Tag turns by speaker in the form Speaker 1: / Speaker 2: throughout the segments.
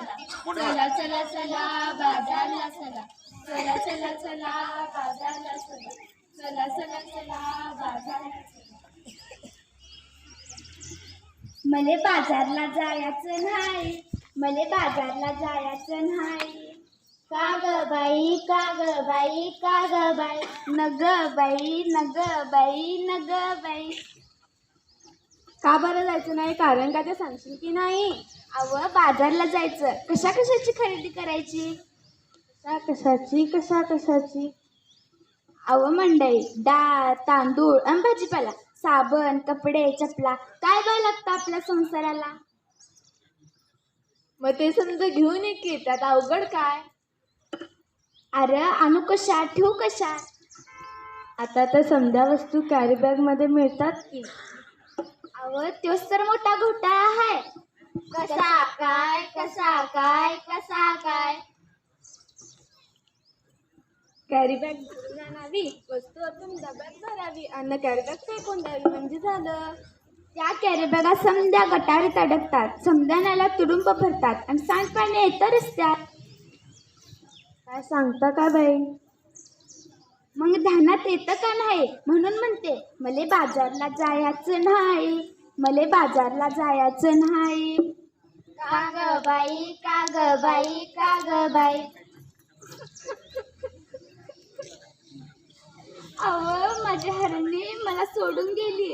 Speaker 1: चला चला चला बाजारला चला. चला चला चला बाजारला चला. चला चला चला बाजारला चला. मले बाजारला जायचं नाही. मले बाजारला जायचं नाही. का ग बाई का ग बाई का ग बाई नग बाई नग बाई नग बाई.
Speaker 2: का बरं जायचं नाही? कारण का ते सांगशील की नाही?
Speaker 1: अव बाजारला जायचं. कशा कशाची खरेदी करायची?
Speaker 2: कशा कशाची?
Speaker 1: अव मंडई डाळ तांदूळ आणि भाजीपाला, साबण कपडे चपला, काय काय लागतं आपल्या संसाराला.
Speaker 2: मग ते समजा घेऊन ये की, त्यात अवघड काय?
Speaker 1: अरे आणू कशा ठेवू कशा?
Speaker 2: आता तर समजा वस्तू कॅरी बॅग मध्ये मिळतात की.
Speaker 1: अव तोच तर मोठा घोटाळा आहे. कसा काय कसा काय कसा काय.
Speaker 2: कॅरी बॅग भरून आणावी, वस्तू आपण डब्यात भरावी आणि कॅरी बॅग फेकून द्यावी म्हणजे झालं.
Speaker 1: त्या कॅरी बॅगा समद्या गटारीत अडकतात, समद्यानाला तुडुंब भरतात आणि सांडपाणी येतं रस्त्यात.
Speaker 2: काय सांगता का बाई?
Speaker 1: मग ध्यानात येतं का नाही? म्हणून म्हणते मले बाजारला जायचं नाही. मले बाजारला जायचं नाही. का ग बाई का ग बाई का ग बाई. अव माझी हरणी मला सोडून गेली.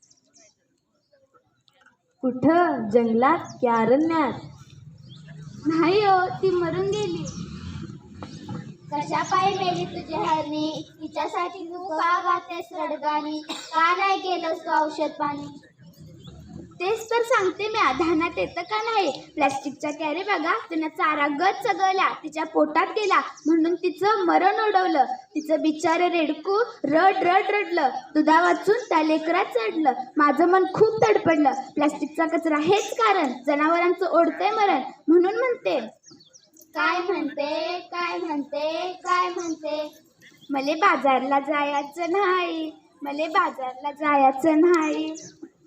Speaker 2: कुठं? जंगलात की अरण्यात?
Speaker 1: नाही हो, ती मरून गेली. कशा पायी मेली तुझी हरणी? तिच्यासाठी तू का गातेस रडगाणी? का नाही केलंस तू औषध पाणी? तेच तर सांगते मी, ध्यानात येतं का नाही? प्लॅस्टिकच्या कॅरी बॅगा तिनं चारा गच चगळल्या, तिच्या पोटात गेला म्हणून तिचं मरण ओढवलं. तिचं बिचारं रेडकू रड रड रडलं. दुधा वाचून त्या लेकरात चढलं. माझं मन खूप तडपडलं. प्लॅस्टिकचा कचरा हेच कारण, जनावरांचं ओढतंय मरण. म्हणून म्हणते काय म्हणते काय म्हणते काय म्हणते. मले बाजारला जायचं नाही. मले बाजारला जायचं नाही.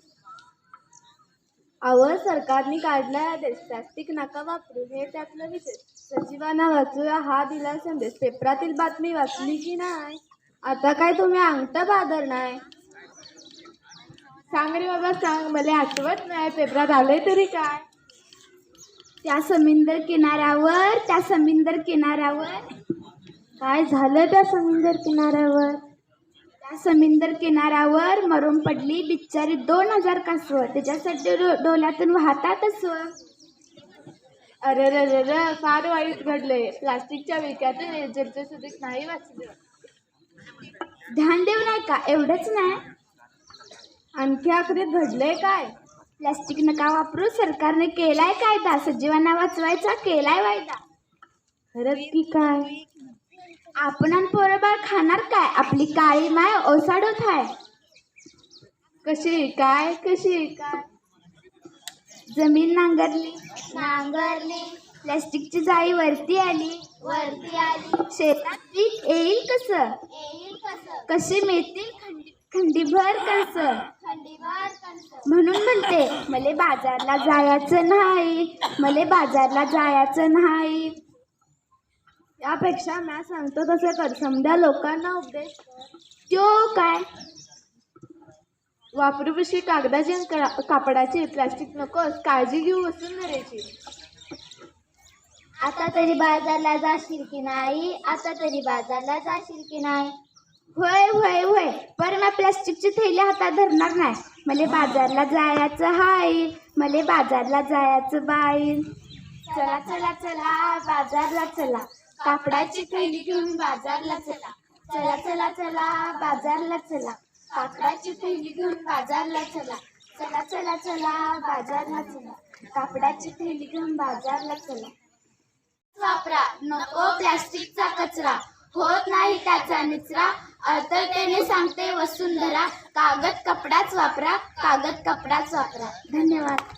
Speaker 2: अव सरकारने काढलाय आदेश, प्लास्टिक नका वापरू हे त्यातलं विशेष. सजीवांना वाचूया हा दिला संदेश. पेपरातील बातमी वाचली की नाही? आता काय तुम्ही अंगठा बादर नाही? सांग रे बाबा सांग, मला आठवत नाही. पेपरात आलंय तरी काय?
Speaker 1: त्या समुद्र किनाऱ्यावर
Speaker 2: काय झालं त्या समुद्र किनाऱ्यावर?
Speaker 1: त्या समुद्र किनाऱ्यावर मरून पडली बिचारी 2000 कासव. त्याच्यासाठी डोल्यातून वाहतात अस्व.
Speaker 2: अरे फार वाईट घडलंय. प्लास्टिकच्या विक्यातून एजरचे सुद्धा नाही वाचलं.
Speaker 1: ध्यान देऊ नाही का? एवढंच नाही,
Speaker 2: आणखी आखरीत घडलंय काय?
Speaker 1: प्लास्टिक नका वापरू सरकारने केलाय कायदा. सजीवांना वाचवायचा केलाय वायदा.
Speaker 2: खरंच की काय?
Speaker 1: आपण आणि पोरबाळ खाणार काय? आपली काळी माय ओसाडत आहे.
Speaker 2: कशी काय कशी काय?
Speaker 1: जमीन नांगरली प्लॅस्टिकची जाळी वरती आली शेतात पीक येईल कसं? कसे मिळतील खंडीभर कणस. म्हणून म्हणते मले बाजारला जायचं नाही. मले बाजारला जायचं नाही.
Speaker 2: यापेक्षा मी सांगतो तसं कर. समजा लोकांना उपदेश
Speaker 1: तो काय?
Speaker 2: वापरू पिशवी कागदाची आणि कापडाची. प्लास्टिक नकोस, काळजी घेऊ वसुंधरेची.
Speaker 1: आता तरी बाजारला जाशील की नाही? आता तरी बाजारला जाशील की नाही? होय होय होय, पर मी प्लास्टिकची थैली हातात धरणार नाही. मले बाजारला जायचं हाय. मले बाजारला जायचं बाई. चला चला चला बाजारला चला. कापडाची थैली घेऊन बाजारला चला. चला चला चला बाजारला चला. कापडाची थैली घेऊन बाजारला चला. चला चला चला बाजारला चला. कापडाची थैली घेऊन बाजारला चला. वापरा नको प्लास्टिकचा कचरा, होत नाही त्याचा निचरा. अर्थतेने सांगते वसुंधरा, कागद कपडाच वापरा. कागद कपडाच वापरा. धन्यवाद.